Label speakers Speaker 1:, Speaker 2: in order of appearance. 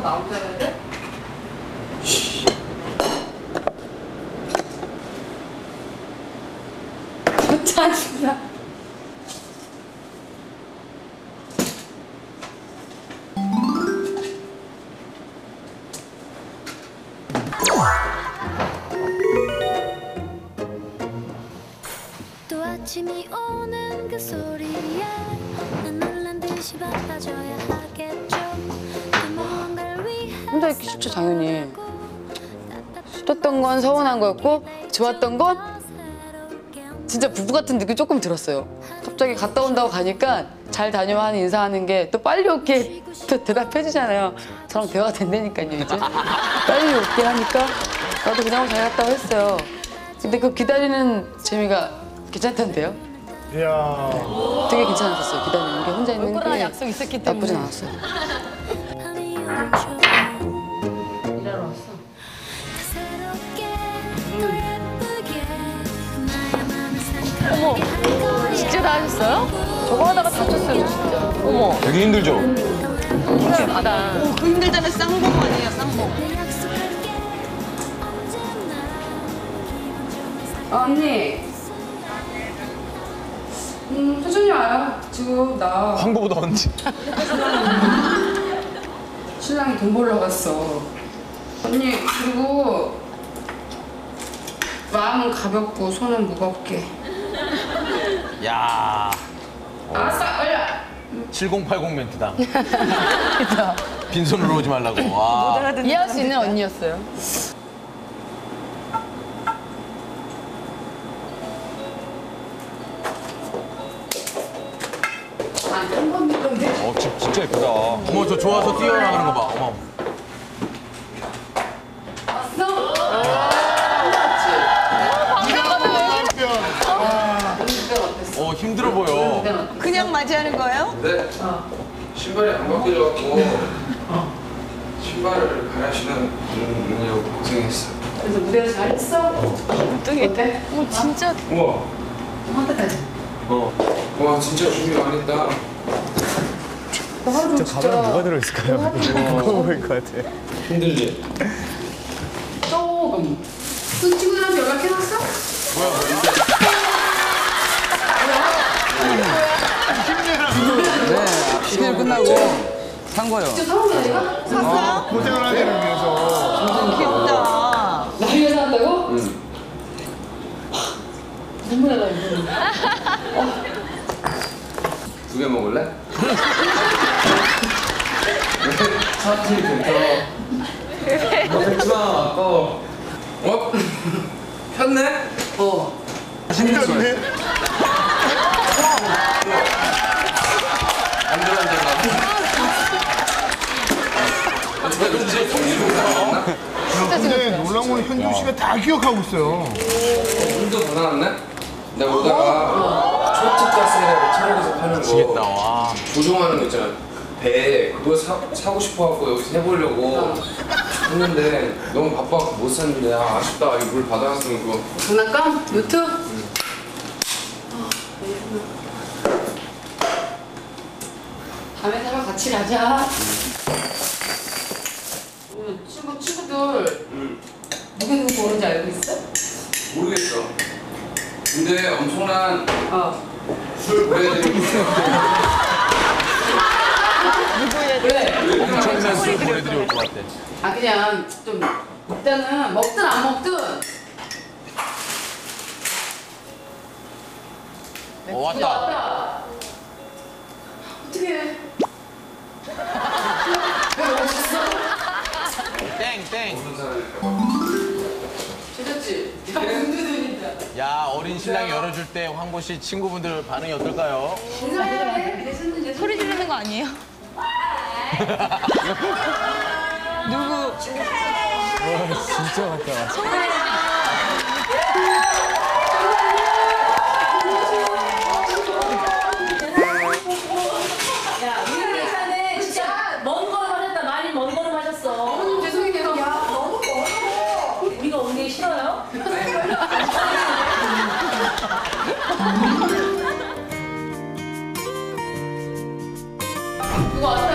Speaker 1: 나오자 해야 돼? 짜증나.
Speaker 2: 또 아침이 오는 그 소리에 난 놀란 듯이 바빠져야 하겠죠. 또 뭔가를 위해
Speaker 1: 혼자 있기 쉽죠, 당연히. 싫었던 건 서운한 거였고 좋았던 건 진짜 부부 같은 느낌이 조금 들었어요. 갑자기 갔다 온다고 가니까 잘 다녀와 하는 인사하는 게 또 빨리 올게 또 대답해 주잖아요. 저랑 대화가 된다니까요, 이제. 빨리 올게 하니까 나도 그냥 잘 갔다고 했어요. 근데 그 기다리는 재미가 괜찮던데요?
Speaker 3: 이야.
Speaker 1: 되게 괜찮았었어요. 기다리는 게 혼자 있는
Speaker 4: 올 거라는
Speaker 1: 게
Speaker 4: 약속이 있었기 때문에.
Speaker 1: 나쁘진 않았어요.
Speaker 2: 밤이 오죠.
Speaker 1: 일하러 왔어.
Speaker 2: 새롭게 또 예쁘게 나의 맘을 상큼하게 할 거야.
Speaker 4: 진짜 다 하셨어요? 저거 하다가 다쳤어요, 저 진짜. 어머,
Speaker 5: 되게 힘들죠?
Speaker 4: 힘들 많아.
Speaker 6: 그 힘들다면 쌍봉 아니에요, 쌍봉.
Speaker 2: 내 약속할게 언제나 기분 좋은 상
Speaker 1: 언니. 천천히 와요. 지금 나
Speaker 5: 황보보다 언제?
Speaker 1: 신랑이 돈 벌러 갔어. 언니 그리고 마음은 가볍고 손은 무겁게.
Speaker 5: 야,
Speaker 1: 알았어, 빨리.
Speaker 5: 7080 멘트다. 빈손으로 오지 말라고. 와.
Speaker 4: 이해할 수 있는 언니였어요.
Speaker 1: 아니 한번 믿던데.
Speaker 5: 집 진짜 예쁘다. 어머, 저 좋아서 뛰어나가는 거 봐. 어머. 힘들어 보여.
Speaker 6: 그냥 맞이하는 거예요?
Speaker 7: 네. 신발이 안 바뀌어갖고 신발을 갈아신는 분이라고 고생했어.
Speaker 1: 그래서 무대에서 잘했어? 어때?
Speaker 4: 진짜
Speaker 7: 우와.
Speaker 1: 한테 가자.
Speaker 7: 와 진짜 준비 많이 했다.
Speaker 1: 나 하루 종일 진짜
Speaker 3: 뭐가 들어있을까요? 무거워 보일 것 같아.
Speaker 7: 힘들지?
Speaker 1: 조금. 그 친구들한테 연락해놨어?
Speaker 8: 시즌 끝나고 산 거요.
Speaker 1: 진짜 사온 거야 내가?
Speaker 6: 샀어요?
Speaker 3: 고생을 하기 위해서.
Speaker 6: 귀엽다.
Speaker 1: 나 위해서 한다고?
Speaker 7: 응.
Speaker 1: 눈물 나다 이거.
Speaker 7: 2개 먹을래? 사투리 괜찮아. 먹지마 아까워. 어? 폈네?
Speaker 3: 신기한데? 근데 놀라운 건 현준 씨가 다 기억하고 있어요.
Speaker 7: 물도 더 나왔네? 내가 오다가 초집 가스라고 천국에서 파는
Speaker 5: 미치겠다,
Speaker 7: 거
Speaker 5: 와.
Speaker 7: 조종하는 거 있잖아. 배 그거 사고 싶어갖고 여기서 해보려고 했는데 너무 바빠서 못 샀는데 아쉽다. 이 물 받아왔으면 그거
Speaker 1: 장난감? 요트? 다음에 사러 같이 가자. 친구들 누구 보는지 알고 있어?
Speaker 7: 모르겠어. 근데 엄청난 술 보여드리고
Speaker 1: 왜?
Speaker 5: 엄청난 술 보내드리 올 것 같아.
Speaker 1: 아 그냥 좀 일단은 먹든 안 먹든
Speaker 5: 왔다.
Speaker 1: 왔다. 어떻게 해? 왜 먹었어?
Speaker 5: 땡.
Speaker 7: 모르는 사람일까
Speaker 1: 괜찮지? 야 문제들이다.
Speaker 5: 야, 어린 신랑이 열어줄 때 황보 씨 친구분들 반응이 어떨까요?
Speaker 1: 인사해. 예수는
Speaker 4: 소리 지르는 거 아니에요?
Speaker 6: 누구?
Speaker 3: 진짜 같다.
Speaker 4: 야, 우리는 괜찮네. 진짜 먼 걸음 하셨다. 많이 먼 걸음 하셨어.
Speaker 1: 죄송해요. 야 너무 멀어.
Speaker 4: 우리가 오는 게 싫어요?
Speaker 1: 누구 왔어요?